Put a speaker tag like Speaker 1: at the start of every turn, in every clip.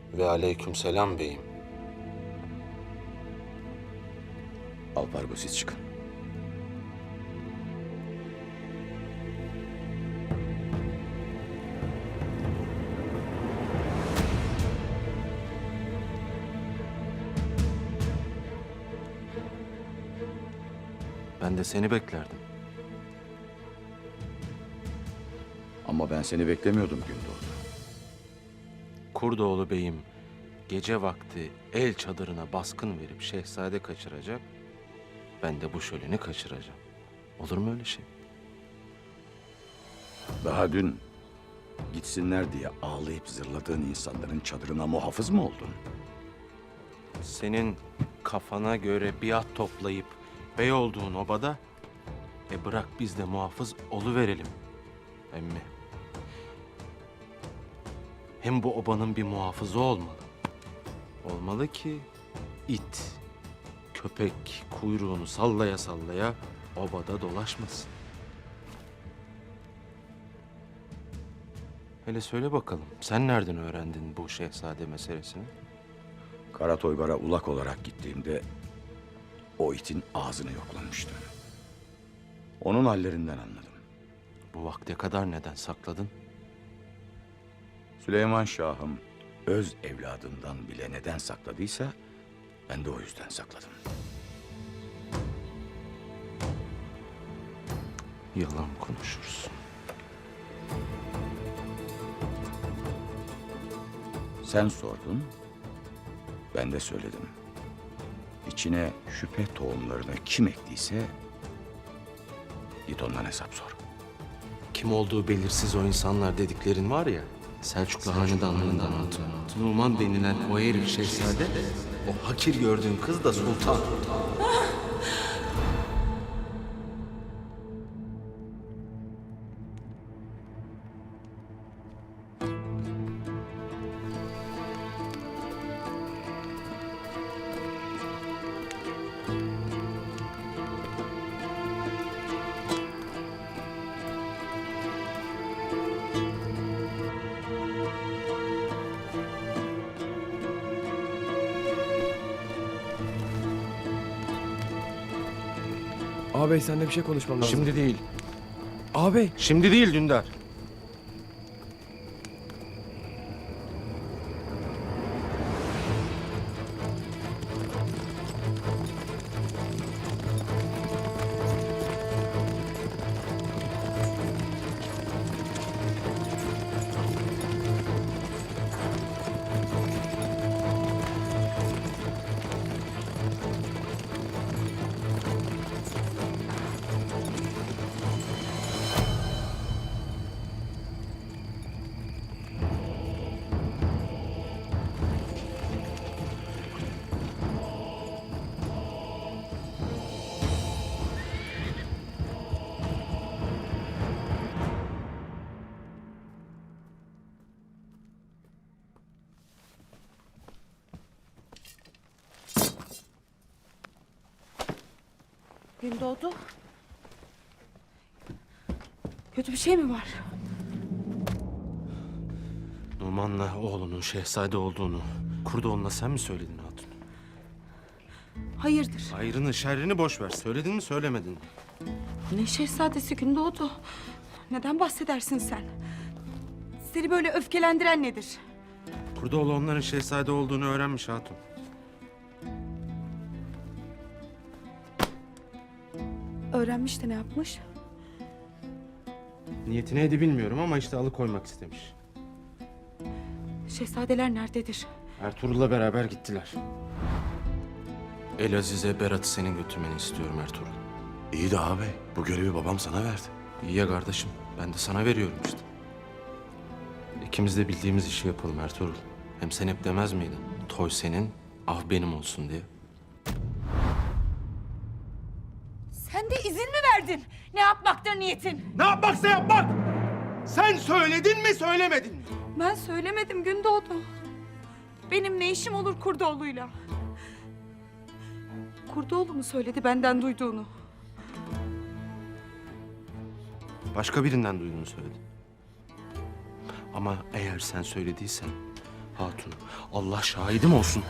Speaker 1: Ve aleykümselam beyim.
Speaker 2: Alpargo siz çıkın.
Speaker 1: Ben de seni beklerdim.
Speaker 2: Ama ben seni beklemiyordum Gündoğdu.
Speaker 1: Kurdoğlu beyim gece vakti el çadırına baskın verip şehzade kaçıracak. Ben de bu şöleni kaçıracağım. Olur mu öyle şey?
Speaker 2: Daha dün gitsinler diye ağlayıp zırladığın insanların çadırına muhafız mı oldun?
Speaker 1: Senin kafana göre biat toplayıp bey olduğun obada, bırak biz de muhafız oluverelim emmi. Hem bu obanın bir muhafızı olmalı. Olmalı ki it, köpek kuyruğunu sallaya sallaya obada dolaşmasın. Hele söyle bakalım, sen nereden öğrendin bu şehzade meselesini?
Speaker 2: Karatoygar'a ulak olarak gittiğimde o itin ağzını yoklamıştım. Onun hallerinden anladım.
Speaker 1: Bu vakte kadar neden sakladın?
Speaker 2: Süleyman Şah'ım öz evladından bile neden sakladıysa ben de o yüzden sakladım.
Speaker 1: Yalan konuşursun.
Speaker 2: Sen sordun, ben de söyledim. İçine şüphe tohumlarını kim ektiyse git ondan hesap sor.
Speaker 1: Kim olduğu belirsiz o insanlar dediklerin var ya, Selçuklu hanedanlığından hatun. Numan denilen o herif şehzade, o hakir gördüğün kız da sultan.
Speaker 3: Ağabey seninle bir şey konuşmam lazım.
Speaker 1: Şimdi değil,
Speaker 3: Ağabey.
Speaker 1: şimdi değil Dündar.
Speaker 4: Gündoğdu. Kötü bir şey mi var?
Speaker 1: Numan'la oğlunun şehzade olduğunu, Kurdoğlu'na sen mi söyledin hatun?
Speaker 4: Hayırdır?
Speaker 1: Hayrını şerrini boş ver. Söyledin mi söylemedin mi?
Speaker 4: Ne şehzadesi Gündoğdu? Neden bahsedersin sen? Seni böyle öfkelendiren nedir?
Speaker 1: Kurdoğlu onların şehzade olduğunu öğrenmiş hatun.
Speaker 4: Öğrenmiş de ne yapmış?
Speaker 1: Niyeti neydi bilmiyorum ama işte alıkoymak istemiş.
Speaker 4: Şehzadeler nerededir?
Speaker 1: Ertuğrul'la beraber gittiler. Elaziz'e Berat'ı senin götürmeni istiyorum Ertuğrul.
Speaker 5: İyi de ağabey, bu görevi babam sana verdi.
Speaker 1: İyi ya kardeşim, ben de sana veriyorum işte. İkimiz de bildiğimiz işi yapalım Ertuğrul. Hem sen hep demez miydin? Toy senin, av benim olsun diye.
Speaker 4: Sen de izin mi verdin? Ne yapmaktır niyetin?
Speaker 1: Ne yapmaksa yapmak! Sen söyledin mi söylemedin mi?
Speaker 4: Ben söylemedim Gündoğdu. Benim ne işim olur Kurdoğlu'yla? Kurdoğlu mu söyledi benden duyduğunu?
Speaker 1: Başka birinden duyduğunu söyledin. Ama eğer sen söylediysen Hatun, Allah şahidim olsun.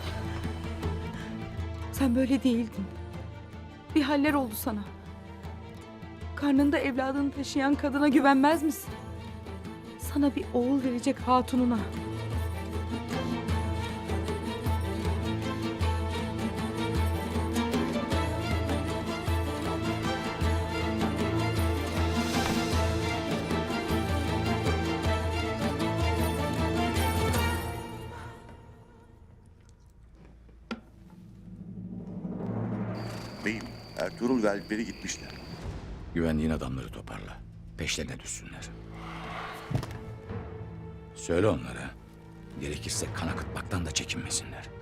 Speaker 4: Sen böyle değildin. Bir haller oldu sana. Karnında evladını taşıyan kadına güvenmez misin? Sana bir oğul verecek hatununa.
Speaker 6: Beyim, Ertuğrul ve Alpleri gitmişler.
Speaker 2: Güvendiğin adamları toparla. Peşlerine düşsünler. Söyle onlara. Gerekirse kan akıtmaktan da çekinmesinler.